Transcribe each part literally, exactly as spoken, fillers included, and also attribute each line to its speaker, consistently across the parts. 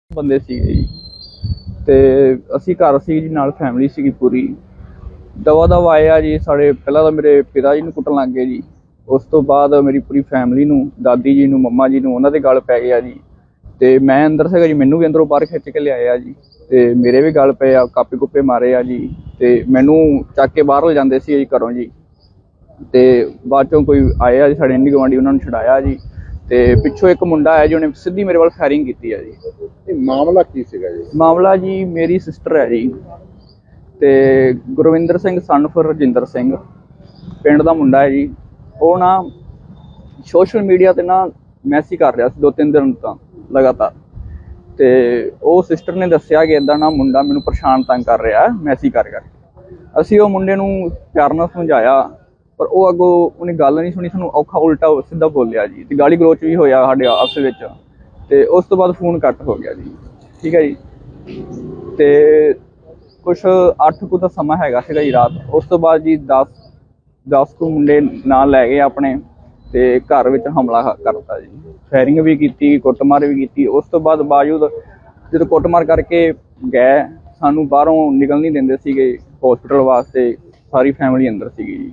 Speaker 1: ਬੰਦੇ ਸੀਗੇ ਜੀ ਤੇ ਅਸੀਂ ਘਰ ਸੀ ਜੀ ਨਾਲ ਫੈਮਿਲੀ ਸੀਗੀ ਪੂਰੀ। ਦਵਾ ਦਵਾ ਆਏ ਆ ਜੀ ਸਾਡੇ। ਪਹਿਲਾਂ ਤਾਂ ਮੇਰੇ ਪਿਤਾ ਜੀ ਨੂੰ ਕੁੱਟਣ ਲੱਗ ਗਏ ਜੀ। ਉਸ ਤੋਂ ਬਾਅਦ ਮੇਰੀ ਪੂਰੀ ਫੈਮਿਲੀ ਨੂੰ, ਦਾਦੀ ਜੀ ਨੂੰ, ਮੰਮਾ ਜੀ ਨੂੰ, ਉਹਨਾਂ ਦੇ ਗਲ ਪੈ ਗਿਆ ਜੀ। ਤੇ ਮੈਂ ਅੰਦਰ ਸੀਗਾ ਜੀ, ਮੈਨੂੰ ਵੀ ਅੰਦਰੋਂ ਬਾਹਰ ਖਿੱਚ ਕੇ ਲਿਆਏ ਆ ਜੀ। ਤੇ ਮੇਰੇ ਵੀ ਗਲ ਪਏ ਆ, ਕਾਪੇ ਕੁੱਪੇ ਮਾਰੇ ਆ ਜੀ। ਤੇ ਮੈਨੂੰ ਚੱਕ ਕੇ ਬਾਹਰ ਲਿਜਾਂਦੇ ਸੀ ਜੀ ਘਰੋਂ ਜੀ। ਤੇ ਬਾਅਦ ਚੋਂ ਕੋਈ ਆਏ ਆ ਜੀ ਸਾਡੇ ਇੰਡੀ ਗੁਆਂਢੀ, ਉਹਨਾਂ ਨੂੰ ਛੁਡਾਇਆ ਜੀ। ਤੇ ਪਿੱਛੋਂ ਇੱਕ ਮੁੰਡਾ ਆਇਆ ਜੀ, ਉਹਨੇ ਸਿੱਧੀ ਮੇਰੇ ਵੱਲ ਫਾਇਰਿੰਗ ਕੀਤੀ ਆ ਜੀ।
Speaker 2: ਇਹ ਮਾਮਲਾ ਕੀ ਸੀਗਾ ਜੀ?
Speaker 1: ਮਾਮਲਾ ਜੀ ਮੇਰੀ ਸਿਸਟਰ ਹੈ ਜੀ ਤੇ ਗੁਰਵਿੰਦਰ ਸਿੰਘ ਸਨ ਆਫ ਰਜਿੰਦਰ ਸਿੰਘ ਪਿੰਡ ਦਾ ਮੁੰਡਾ ਹੈ ਜੀ। ਉਹ ਨਾ ਸੋਸ਼ਲ ਮੀਡੀਆ ਤੇ ਨਾ ਮੈਸੇਜ ਕਰ ਰਿਹਾ ਸੀ ਦੋ ਤਿੰਨ ਦਿਨ ਤੋਂ ਲਗਾਤਾਰ। ਤੇ ਉਹ ਸਿਸਟਰ ਨੇ ਦੱਸਿਆ ਕਿ ਇੱਦਾਂ ਨਾ ਮੁੰਡਾ ਮੈਨੂੰ ਪਰੇਸ਼ਾਨ ਤੰਗ ਕਰ ਰਿਹਾ ਮੈਸੇਜ ਕਰ ਕਰਕੇ। ਅਸੀਂ ਉਹ ਮੁੰਡੇ ਨੂੰ ਪਿਆਰ ਨਾਲ ਸਮਝਾਇਆ, ਪਰ ਉਹ ਅੱਗੋਂ ਉਹਨੇ ਗੱਲ ਨਹੀਂ ਸੁਣੀ, ਸਾਨੂੰ ਔਖਾ ਉਲਟਾ ਸਿੱਧਾ ਬੋਲਿਆ ਜੀ। ਤੇ ਗਾਲੀ ਗਲੋਚ ਵੀ ਹੋਇਆ ਸਾਡੇ ਆਪਸ ਵਿੱਚ। ਤੇ ਉਸ ਤੋਂ ਬਾਅਦ ਫੋਨ ਕੱਟ ਹੋ ਗਿਆ ਜੀ। ਠੀਕ ਹੈ ਜੀ। ਤੇ ਕੁਛ ਅੱਠ ਕੁ ਦਾ ਸਮਾਂ ਹੈਗਾ ਸੀਗਾ ਜੀ ਰਾਤ। ਉਸ ਤੋਂ ਬਾਅਦ ਜੀ ਦਸ ਦਸ ਕੁ ਮੁੰਡੇ ਨਾਲ ਲੈ ਗਏ ਆਪਣੇ ਤੇ ਘਰ ਵਿੱਚ ਹਮਲਾ ਕਰਤਾ ਜੀ। ਫਾਇਰਿੰਗ ਵੀ ਕੀਤੀ, ਕੁੱਟਮਾਰ ਵੀ ਕੀਤੀ। ਉਸ ਤੋਂ ਬਾਅਦ ਬਾਵਜੂਦ ਜਦੋਂ ਕੁੱਟਮਾਰ ਕਰਕੇ ਗਏ, ਸਾਨੂੰ ਬਾਹਰੋਂ ਨਿਕਲ ਨਹੀਂ ਦਿੰਦੇ ਸੀਗੇ ਹੌਸਪੀਟਲ ਵਾਸਤੇ। ਸਾਰੀ ਫੈਮਿਲੀ ਅੰਦਰ ਸੀਗੀ ਜੀ।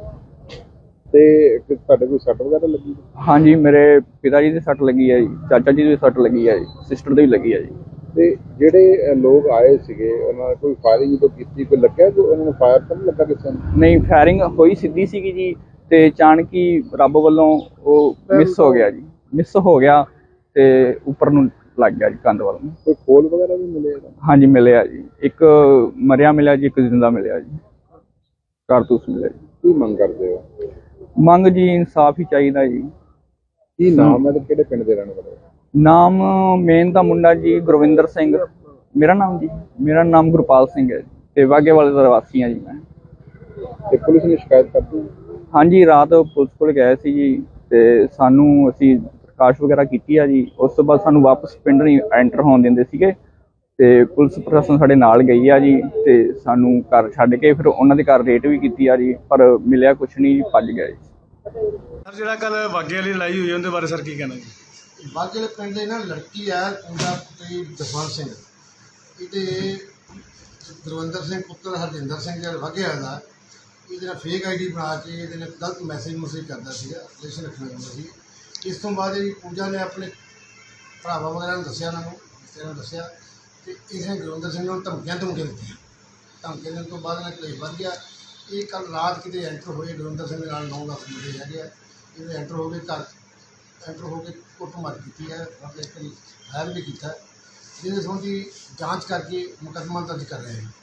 Speaker 2: ਤੇ ਤੁਹਾਡੇ ਕੋਈ ਸੱਟ ਵਗੈਰਾ ਲੱਗੀ?
Speaker 1: ਹਾਂਜੀ, ਮੇਰੇ ਪਿਤਾ ਜੀ ਦੀ ਸੱਟ ਲੱਗੀ ਹੈ ਜੀ, ਚਾਚਾ ਜੀ ਦੀ ਸੱਟ ਲੱਗੀ ਹੈ ਜੀ, ਸਿਸਟਰ ਦੀ ਵੀ ਲੱਗੀ ਹੈ ਜੀ।
Speaker 2: ਤੇ ਜਿਹੜੇ ਲੋਕ ਆਏ ਸੀਗੇ ਉਹਨਾਂ ਨੇ ਕੋਈ ਫਾਇਰਿੰਗ ਜਦੋਂ ਕੀਤੀ, ਕੋਈ ਲੱਗਿਆ ਕਿ ਉਹਨਾਂ ਨੂੰ ਫਾਇਰ ਤਾਂ ਨਹੀਂ ਲੱਗਾ ਕਿਸੇ ਨੂੰ?
Speaker 1: ਨਹੀਂ, ਫਾਇਰਿੰਗ ਹੋਈ ਸਿੱਧੀ ਸੀਗੀ ਜੀ। ਤੇ ਅਚਾਨਕ ਹੀ ਰੱਬ ਵੱਲੋਂ ਉਹ ਮਿਸ ਹੋ ਗਿਆ ਜੀ। ਮਿਸ ਹੋ ਗਿਆ ਤੇ ਉੱਪਰ ਨੂੰ ਲੱਗ ਗਿਆ ਜੀ, ਕੰਧ ਵੱਲ ਨੂੰ।
Speaker 2: ਕੋਈ ਖੋਲ ਵਗੈਰਾ ਵੀ ਮਿਲੇ?
Speaker 1: ਹਾਂਜੀ ਮਿਲਿਆ ਜੀ, ਇੱਕ ਮਰਿਆ ਮਿਲਿਆ ਜੀ, ਇੱਕ ਜ਼ਿੰਦਾ ਮਿਲਿਆ ਜੀ, ਕਾਰਤੂਸ ਮਿਲਿਆ ਜੀ।
Speaker 2: ਕੀ ਮੰਗ ਕਰਦੇ ਹੋ?
Speaker 1: ਮੰਗ ਜੀ ਇਨਸਾਫ ਹੀ ਚਾਹੀਦਾ ਜੀ।
Speaker 2: ਕੀ ਨਾਮ ਹੈ ਤੇ ਕਿਹੜੇ ਪਿੰਡ ਦੇ ਰਹਿਣ ਵਾਲੇ?
Speaker 1: ਨਾਮ ਮੇਨ ਦਾ ਮੁੰਡਾ ਜੀ ਗੁਰਵਿੰਦਰ ਸਿੰਘ। ਮੇਰਾ ਨਾਮ ਜੀ ਮੇਰਾ ਨਾਮ ਗੁਰਪਾਲ ਸਿੰਘ ਹੈ ਤੇ ਵਾਘੇ ਵਾਲੇ ਦਾ ਵਾਸੀ ਹਾਂ ਜੀ ਮੈਂ।
Speaker 2: ਤੇ ਪੁਲਿਸ ਨੇ ਸ਼ਿਕਾਇਤ ਕਰਤੀ?
Speaker 1: ਹਾਂਜੀ, ਰਾਤ ਪੁਲਿਸ ਕੋਲ ਗਏ ਸੀ ਜੀ। ਤੇ ਸਾਨੂੰ ਅਸੀਂ ਪ੍ਰਕਾਸ਼ ਵਗੈਰਾ ਕੀਤੀ ਆ ਜੀ। ਉਸ ਤੋਂ ਬਾਅਦ ਸਾਨੂੰ ਵਾਪਸ ਪਿੰਡ ਨਹੀਂ ਐਂਟਰ ਹੋਣ ਦਿੰਦੇ ਸੀਗੇ। ਤੇ ਪੁਲਿਸ ਪ੍ਰਸ਼ਾਸਨ ਸਾਡੇ ਨਾਲ ਗਈ ਆ ਜੀ। ਤੇ ਸਾਨੂੰ ਘਰ ਛੱਡ ਕੇ ਫਿਰ ਉਹਨਾਂ ਦੇ ਘਰ ਰੇਟ ਵੀ ਕੀਤੀ ਆ ਜੀ, ਪਰ ਮਿਲਿਆ ਕੁਛ ਨਹੀਂ, ਭੱਜ ਗਏ ਜੀ।
Speaker 3: ਸਰ ਜਿਹੜਾ ਕੱਲ ਵਾਘੇ ਵਾਲੀ ਲੜਾਈ ਹੋਈ ਉਹਦੇ ਬਾਰੇ ਸਰ ਕੀ ਕਹਿਣਾ ਜੀ?
Speaker 4: ਵਾਘੇ ਵਾਲੇ ਪਿੰਡ ਦੇ ਨਾ ਲੜਕੀ ਹੈ ਉਹਦਾ ਪੁੱਤਰ ਜਸਵੰਤ ਸਿੰਘ, ਇਹਦੇ ਗੁਰਵਿੰਦਰ ਸਿੰਘ ਪੁੱਤਰ ਹਰਜਿੰਦਰ ਸਿੰਘ ਜਿਹੜਾ ਵਾਘੇ ਵਾਲਾ ਦਾ, ਇਹਦੇ ਨਾਲ ਫੇਕ ਆਈ ਡੀ ਬਣਾ ਕੇ ਇਹਦੇ ਨਾਲ ਗਲਤ ਮੈਸੇਜ ਮੁਸੇਜ ਕਰਦਾ ਸੀਗਾ, ਰਿਲੇਸ਼ਨ ਰੱਖਣਾ ਚਾਹੁੰਦਾ ਸੀ। ਇਸ ਤੋਂ ਬਾਅਦ ਇਹ ਪੂਜਾ ਨੇ ਆਪਣੇ ਭਰਾਵਾਂ ਵਗੈਰਾ ਨੂੰ ਦੱਸਿਆ, ਉਹਨਾਂ ਨੂੰ ਰਿਸ਼ਤੇਦਾਰਾਂ ਨੂੰ ਦੱਸਿਆ, ਅਤੇ ਇਸਨੇ ਗੁਰਵਿੰਦਰ ਸਿੰਘ ਨੂੰ ਧਮਕੀਆਂ ਧਮਕੀਆਂ ਦਿੱਤੀਆਂ। ਧਮਕੀਆਂ ਦੇਣ ਤੋਂ ਬਾਅਦ ਇਹਨਾਂ ਕਲੇਸ਼ ਵੱਧ ਗਿਆ। ਇਹ ਕੱਲ੍ਹ ਰਾਤ ਕਿਤੇ ਐਂਟਰ ਹੋਏ, ਗੁਰਵਿੰਦਰ ਸਿੰਘ ਦੇ ਨਾਲ ਨੌ ਦਸ ਮੁੰਡੇ ਹੈਗੇ ਆ, ਇਹਨੇ ਐਂਟਰ ਹੋ ਕੇ ਘਰ ਐਂਟਰ ਹੋ ਕੇ ਕੁੱਟਮਾਰ ਕੀਤੀ ਹੈ, ਇੱਕ ਫਾਇਰ ਵੀ ਕੀਤਾ, ਜਿਹਦੇ ਸੰਬੰਧੀ ਜਾਂਚ ਕਰਕੇ ਮੁਕੱਦਮਾ ਦਰਜ ਕਰ ਰਹੇ ਹਾਂ।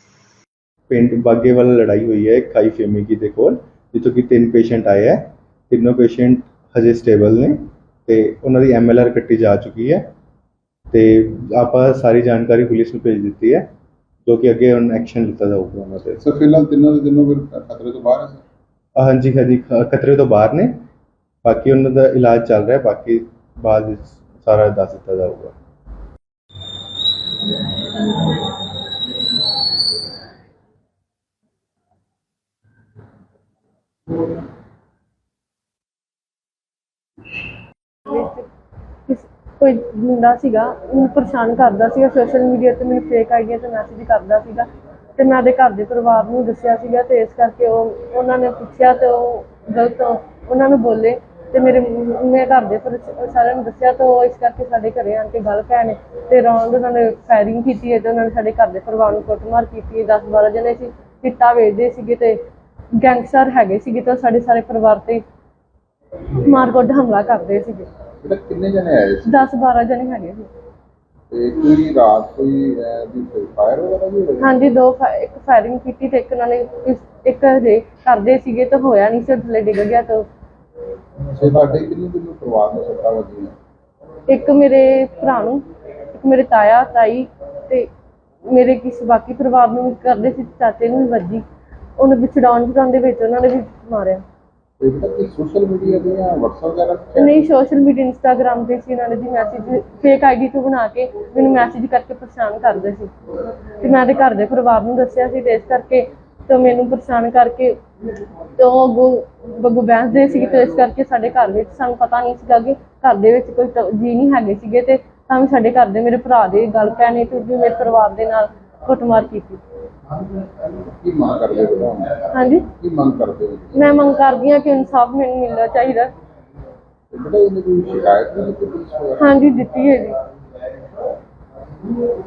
Speaker 5: ਪਿੰਡ ਬਾਗੇ ਵਾਲਾ ਲੜਾਈ ਹੋਈ ਹੈ ਖਾਈ ਫੇਮੇਗੀ ਦੇ ਕੋਲ, ਜਿੱਥੋਂ ਕਿ ਤਿੰਨ ਪੇਸ਼ੈਂਟ ਆਏ ਹੈ। ਤਿੰਨੋਂ ਪੇਸ਼ੈਂਟ ਹਜੇ ਸਟੇਬਲ ਨੇ ਤੇ ਉਹਨਾਂ ਦੀ ਐਮ ਐਲ ਆਰ ਕੱਟੀ ਜਾ ਚੁੱਕੀ ਹੈ। ਤੇ ਆਪਾਂ ਸਾਰੀ ਜਾਣਕਾਰੀ ਪੁਲਿਸ ਨੂੰ ਭੇਜ ਦਿੱਤੀ ਹੈ, ਜੋ ਕਿ ਅੱਗੇ ਹੁਣ ਐਕਸ਼ਨ ਲਿੱਤਾ ਜਾਊਗਾ ਉਹਨਾਂ ਤੇ।
Speaker 2: ਸਰ ਫਿਲਹਾਲ ਤਿੰਨੋਂ ਦੇ ਤਿੰਨੋਂ ਫਿਰ ਖਤਰੇ ਤੋਂ ਬਾਹਰ ਹੈ ਸਰ?
Speaker 5: ਹਾਂਜੀ ਹਾਂਜੀ, ਖਤਰੇ ਤੋਂ ਬਾਹਰ ਨੇ। ਬਾਕੀ ਉਹਨਾਂ ਦਾ ਇਲਾਜ ਚੱਲ ਰਿਹਾ, ਬਾਕੀ ਬਾਅਦ ਵਿੱਚ ਸਾਰਾ ਦੱਸ ਦਿੱਤਾ ਜਾਊਗਾ।
Speaker 6: ਕੋਈ ਮੁੰਡਾ ਸੀਗਾ, ਉਹਨੂੰ ਪਰੇਸ਼ਾਨ ਕਰਦਾ ਸੀਗਾ ਸੋਸ਼ਲ ਮੀਡੀਆ 'ਤੇ, ਮੈਨੂੰ ਫੇਕ ਆਈਡੀਆ 'ਤੇ ਮੈਸੇਜ ਕਰਦਾ ਸੀਗਾ। ਅਤੇ ਮੈਂ ਉਹਦੇ ਘਰ ਦੇ ਪਰਿਵਾਰ ਨੂੰ ਦੱਸਿਆ ਸੀਗਾ, ਅਤੇ ਇਸ ਕਰਕੇ ਉਹ ਉਹਨਾਂ ਨੇ ਪੁੱਛਿਆ ਅਤੇ ਉਹ ਗਲਤ ਉਹਨਾਂ ਨੂੰ ਬੋਲੇ। ਅਤੇ ਮੇਰੇ ਮੈਂ ਘਰ ਦੇ ਪਰ ਸਾਰਿਆਂ ਨੂੰ ਦੱਸਿਆ, ਤਾਂ ਉਹ ਇਸ ਕਰਕੇ ਸਾਡੇ ਘਰ ਆਣ ਕੇ ਗੱਲ ਪੈ ਨੇ ਅਤੇ ਰੌਂਦ ਉਹਨਾਂ ਨੇ ਫਾਇਰਿੰਗ ਕੀਤੀ ਹੈ। ਅਤੇ ਉਹਨਾਂ ਨੇ ਸਾਡੇ ਘਰ ਦੇ ਪਰਿਵਾਰ ਨੂੰ ਕੁੱਟਮਾਰ ਕੀਤੀ। ਦਸ ਬਾਰਾਂ ਜਣੇ ਸੀ, ਚਿੱਟਾ ਵੇਚਦੇ ਸੀਗੇ ਅਤੇ ਗੈਂਗਸਟਰ ਹੈਗੇ ਸੀਗੇ, ਤਾਂ ਸਾਡੇ ਸਾਰੇ ਪਰਿਵਾਰ 'ਤੇ ਮਾਰਕੁੱਟ ਹਮਲਾ ਕਰਦੇ ਸੀਗੇ।
Speaker 2: ਕਿੰਨੇ ਜਣੇ ਆਏ ਸੀ?
Speaker 6: ਦਸ ਬਾਰਾਂ ਜਣੇ ਹੈਗੇ ਸੀ।
Speaker 2: ਤੇ ਕੋਈ ਰਾਤ ਕੋਈ ਫਾਇਰ ਵਗੈਰਾ ਵੀ ਹੋਇਆ?
Speaker 6: ਹਾਂਜੀ, ਦੋ ਇੱਕ ਫਾਇਰਿੰਗ ਕੀਤੀ ਤੇ ਇੱਕ ਨਾਲ ਇੱਕ ਹਜੇ ਕਰਦੇ ਸੀਗੇ ਤਾਂ ਹੋਇਆ ਨਹੀਂ ਸੀ, ਥੱਲੇ ਡਿੱਗ ਗਿਆ। ਤਾਂ
Speaker 2: ਤੇ ਤੁਹਾਡੇ ਕਿੰਨੇ ਕਿੰਨੇ ਪਰਿਵਾਰ ਨੂੰ ਸੱਟਾਂ ਵੱਜੀਆਂ?
Speaker 6: ਇੱਕ ਮੇਰੇ ਭਰਾ ਨੂੰ, ਇੱਕ ਮੇਰੇ ਤਾਇਆ ਤਾਈ ਤੇ ਮੇਰੇ ਕਿਸੇ ਬਾਕੀ ਪਰਿਵਾਰ ਨੂੰ ਵੀ ਕਰਦੇ ਸੀ, ਚਾਚੇ ਨੂੰ ਵੀ ਵੱਜੀ। ਉਹਨੂੰ ਵੀ ਛਡਾਉਣ ਛਡਾਉਣ ਦੇ ਵਿੱਚ ਉਹਨਾਂ ਨੇ ਵੀ ਮਾਰਿਆ।
Speaker 2: ਤੇ ਕਿ ਸੋਸ਼ਲ ਮੀਡੀਆ ਤੇ ਜਾਂ WhatsApp ਵਗੈਰਾ?
Speaker 6: ਨਹੀਂ, ਸੋਸ਼ਲ ਮੀਡੀਆ ਇੰਸਟਾਗ੍ਰਾਮ 'ਤੇ ਸੀ। ਇਹਨਾਂ ਨੇ ਜੀ ਮੈਸੇਜ ਫੇਕ ਆਈ ਡੀ ਤੋਂ ਬਣਾ ਕੇ ਮੈਨੂੰ ਮੈਸੇਜ ਕਰਕੇ ਪਰੇਸ਼ਾਨ ਕਰਦੇ ਸੀ। ਅਤੇ ਮੈਂ ਉਹਦੇ ਘਰ ਦੇ ਪਰਿਵਾਰ ਨੂੰ ਦੱਸਿਆ ਸੀ, ਅਤੇ ਇਸ ਕਰਕੇ ਤਾਂ ਮੈਨੂੰ ਪਰੇਸ਼ਾਨ ਕਰਕੇ ਤਾਂ ਉਹ ਅੱਗੋਂ ਬੱਗੂ ਬਹਿਸਦੇ ਸੀਗੇ। ਅਤੇ ਇਸ ਕਰਕੇ ਸਾਡੇ ਘਰ ਵਿੱਚ ਸਾਨੂੰ ਪਤਾ ਨਹੀਂ ਸੀਗਾ ਕਿ ਘਰ ਦੇ ਵਿੱਚ ਕੋਈ ਜੀ ਨਹੀਂ ਹੈਗੇ ਸੀਗੇ, ਅਤੇ ਤਾਂ ਵੀ ਸਾਡੇ ਘਰ ਦੇ ਮੇਰੇ ਭਰਾ ਦੇ ਗੱਲ ਪੈਣੇ ਤੇ ਉਹਦੀ ਮੇਰੇ ਪਰਿਵਾਰ ਦੇ ਨਾਲ ਕੁੱਟਮਾਰ ਕੀਤੀ।
Speaker 2: ਕੀ ਮੰਗ ਕਰਦੇ ਹੋ ਤੁਸੀਂ?
Speaker 6: ਹਾਂਜੀ,
Speaker 2: ਕੀ ਮੰਗ ਕਰਦੇ ਹੋ?
Speaker 6: ਮੈਂ ਮੰਗ ਕਰਦੀ ਹਾਂ ਕਿ ਇਨਸਾਫ ਮੈਨੂੰ ਮਿਲਣਾ ਚਾਹੀਦਾ।
Speaker 2: ਤੇ ਬੇਟਾ ਇਹਨੇ ਕੋਈ ਸ਼ਿਕਾਇਤ ਨਹੀਂ ਕੀਤੀ ਪੁਲਿਸ ਵਗੈਰਾ?
Speaker 6: ਹਾਂਜੀ, ਦਿੱਤੀ ਹੈ ਜੀ।